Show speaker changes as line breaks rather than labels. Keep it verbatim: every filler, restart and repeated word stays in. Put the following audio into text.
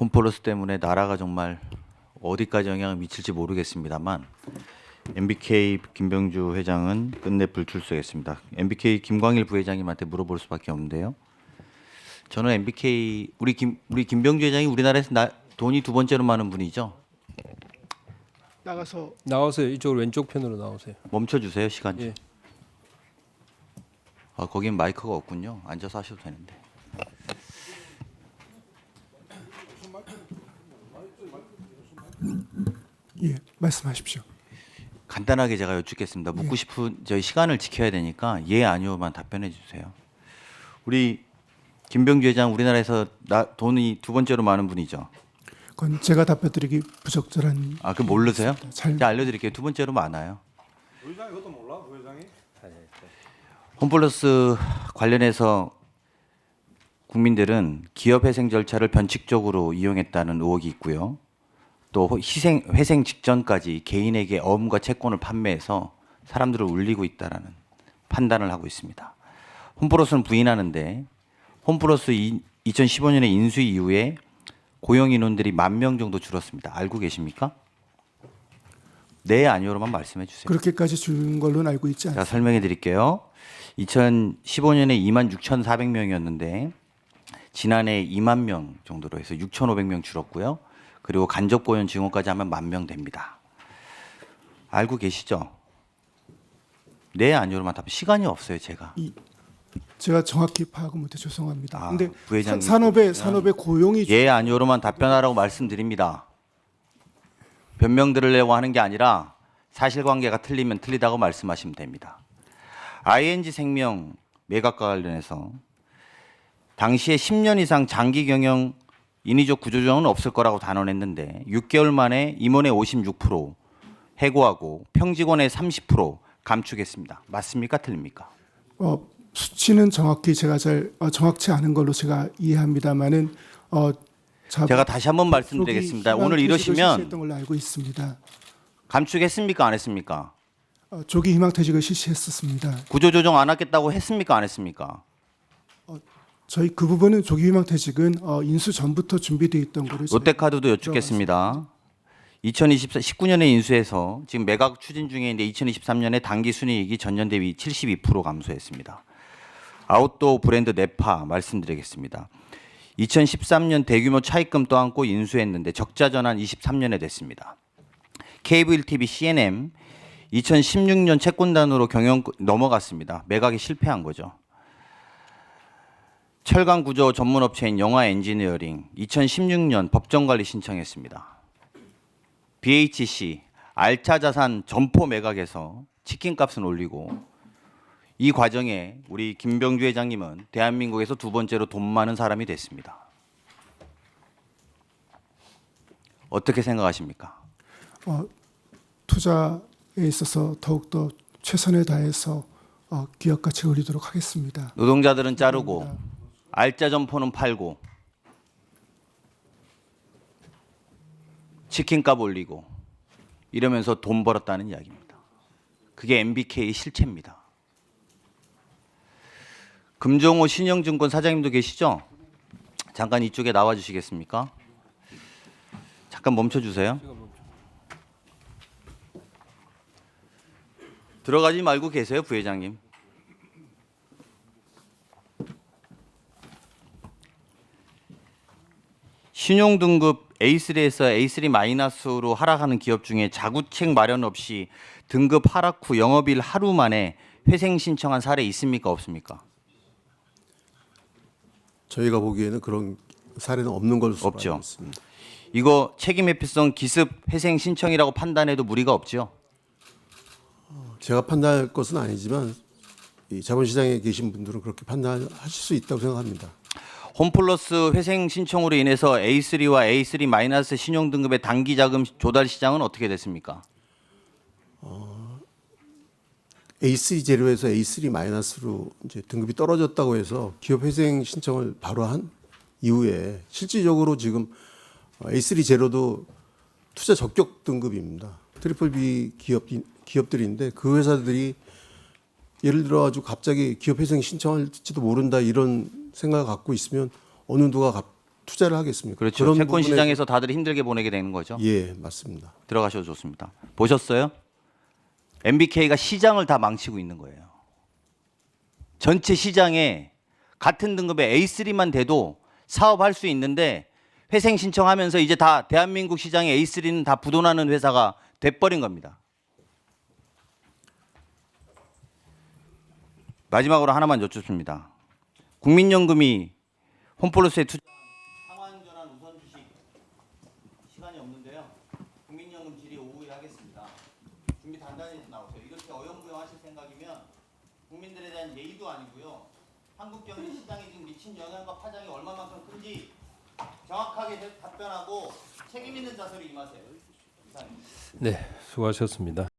홈플러스 때문에 나라가 정말 어디까지 영향을 미칠지 모르겠습니다만 엠비케이 김병주 회장은 끝내 불출석했습니다. 엠비케이 김광일 부회장님한테 물어볼 수밖에 없는데요. 저는 엠비케이 우리 김 우리 김병주 회장이 우리나라에서 나, 돈이 두 번째로 많은 분이죠.
나가서
나오세요. 이쪽으로 왼쪽 편으로 나오세요.
멈춰 주세요 시간. 좀.
예.
아 거긴 마이크가 없군요. 앉아서 하셔도 되는데.
예 말씀하십시오.
간단하게 제가 여쭙겠습니다. 묻고 싶은 저희 시간을 지켜야 되니까 예 아니오만 답변해 주세요. 우리 김병주 회장 우리나라에서 나, 돈이 두 번째로 많은 분이죠.
그건 제가 답변드리기 부적절한.
아, 그 모르세요?
잘
제가 알려드릴게요. 두 번째로 많아요.
부회장이 그것도 몰라? 부회장이?
홈플러스 관련해서 국민들은 기업 회생 절차를 변칙적으로 이용했다는 의혹이 있고요. 또 희생, 회생 직전까지 개인에게 어음과 채권을 판매해서 사람들을 울리고 있다라는 판단을 하고 있습니다. 홈플러스는 부인하는데 홈플러스 이천십오 년에 인수 이후에 고용 인원들이 만 명 정도 줄었습니다. 알고 계십니까? 네, 아니오로만 말씀해 주세요.
그렇게까지 준 걸로는 알고 있지
제가
않습니다.
설명해 드릴게요. 이천십오 년에 이만 육천사백 명이었는데 지난해 이만 명 정도로 해서 육천오백 명 줄었고요. 그리고 간접 고용 증원까지 하면 만 명 됩니다. 알고 계시죠? 네, 아니오로만 답. 시간이 없어요, 제가.
이, 제가 정확히 파악을 못해 죄송합니다.
아,
근데
부회장님
사- 산업에
그러시면
산업에 고용이
예, 아니오로만 답변하라고 말씀드립니다. 변명 들으려고 하는 게 아니라 사실관계가 틀리면 틀리다고 말씀하시면 됩니다. 아이엔지 생명 매각과 관련해서 당시에 십 년 이상 장기 경영 인위적 구조조정은 없을 거라고 단언했는데 육 개월 만에 임원의 오십육 퍼센트 해고하고 평직원의 삼십 퍼센트 감축했습니다. 맞습니까? 틀립니까?
어, 수치는 정확히 제가 잘 어, 정확치 않은 걸로 제가 이해합니다만은 어, 자,
제가 다시 한번 말씀드리겠습니다. 오늘 이러시면
실시했던 걸로 알고 있습니다.
감축했습니까? 안 했습니까?
어, 조기 희망퇴직을 실시했었습니다.
구조조정 안 하겠다고 했습니까? 안 했습니까?
저희 그 부분은 조기 희망퇴직은 어, 인수 전부터 준비되어 있던 거를 저희가
롯데카드도 여쭙겠습니다. 이천십구 년에 인수해서 지금 매각 추진 중에 있는데 이천이십삼 년에 당기 순이익이 전년 대비 칠십이 퍼센트 감소했습니다. 아웃도어 브랜드 네파 말씀드리겠습니다. 이천십삼 년 대규모 차입금 떠안고 인수했는데 적자 전환 이십삼 년에 됐습니다. 케이블 티비 씨엔엠 이천십육 년 채권단으로 경영 넘어갔습니다. 매각에 실패한 거죠. 철강 구조 전문 업체인 영화 엔지니어링 이천십육 년 법정 관리 신청했습니다. 비에이치씨 알차 자산 점포 매각해서 치킨 값은 올리고 이 과정에 우리 김병주 회장님은 대한민국에서 두 번째로 돈 많은 사람이 됐습니다. 어떻게 생각하십니까?
어, 투자에 있어서 더욱더 최선을 다해서 어, 기업 가치를 올리도록 하겠습니다.
노동자들은 자르고 알짜 점포는 팔고 치킨값 올리고 이러면서 돈 벌었다는 이야기입니다. 그게 엠비케이 실체입니다. 금종호 신영증권 사장님도 계시죠? 잠깐 이쪽에 나와 주시겠습니까? 잠깐 멈춰 주세요. 들어가지 말고 계세요, 부회장님. 신용 등급 에이 쓰리에서 에이 쓰리 마이너스로 하락하는 기업 중에 자구책 마련 없이 등급 하락 후 영업일 하루 만에 회생 신청한 사례 있습니까? 없습니까?
저희가 보기에는 그런 사례는 없는 걸로
없죠.
알고 있습니다.
이거 책임 회피성 기습 회생 신청이라고 판단해도 무리가 없죠.
제가 판단할 것은 아니지만 이 자본시장에 계신 분들은 그렇게 판단하실 수 있다고 생각합니다.
홈플러스 회생 신청으로 인해서 에이 쓰리와 에이 쓰리 마이너스 신용 등급의 단기 자금 조달 시장은 어떻게 됐습니까?
에이 쓰리 제로에서 에이 쓰리 마이너스로 이제 등급이 떨어졌다고 해서 기업 회생 신청을 바로 한 이후에 실질적으로 지금 에이 쓰리 제로도 투자 적격 등급입니다. 트리플 B 기업 기업들인데 그 회사들이 예를 들어 가지고 갑자기 기업 회생 신청할지도 모른다 이런 생각을 갖고 있으면 어느 누가 갑, 투자를 하겠습니까?
그렇죠.
그런
채권
부분에-
시장에서 다들 힘들게 보내게 되는 거죠.
예, 맞습니다.
들어가셔도 좋습니다. 보셨어요? 엠비케이가 시장을 다 망치고 있는 거예요. 전체 시장에 같은 등급의 에이 쓰리만 돼도 사업할 수 있는데 회생 신청하면서 이제 다 대한민국 시장에 에이 쓰리는 다 부도나는 회사가 돼버린 겁니다. 마지막으로 하나만 여쭙습니다. 국민연금이 홈플러스에 투자 상환전환 우선 주식 시간이 없는데요. 국민연금 질의 오후에 하겠습니다. 준비 단단히 해서 나오세요. 이렇게 어영부영하실 생각이면 국민들에 대한 예의도 아니고요. 한국 경제 시장에 지금 미친 영향과 파장이 얼마만큼 큰지 정확하게 대- 답변하고 책임 있는 자세로 임하세요. 이상입니다.
네, 수고하셨습니다.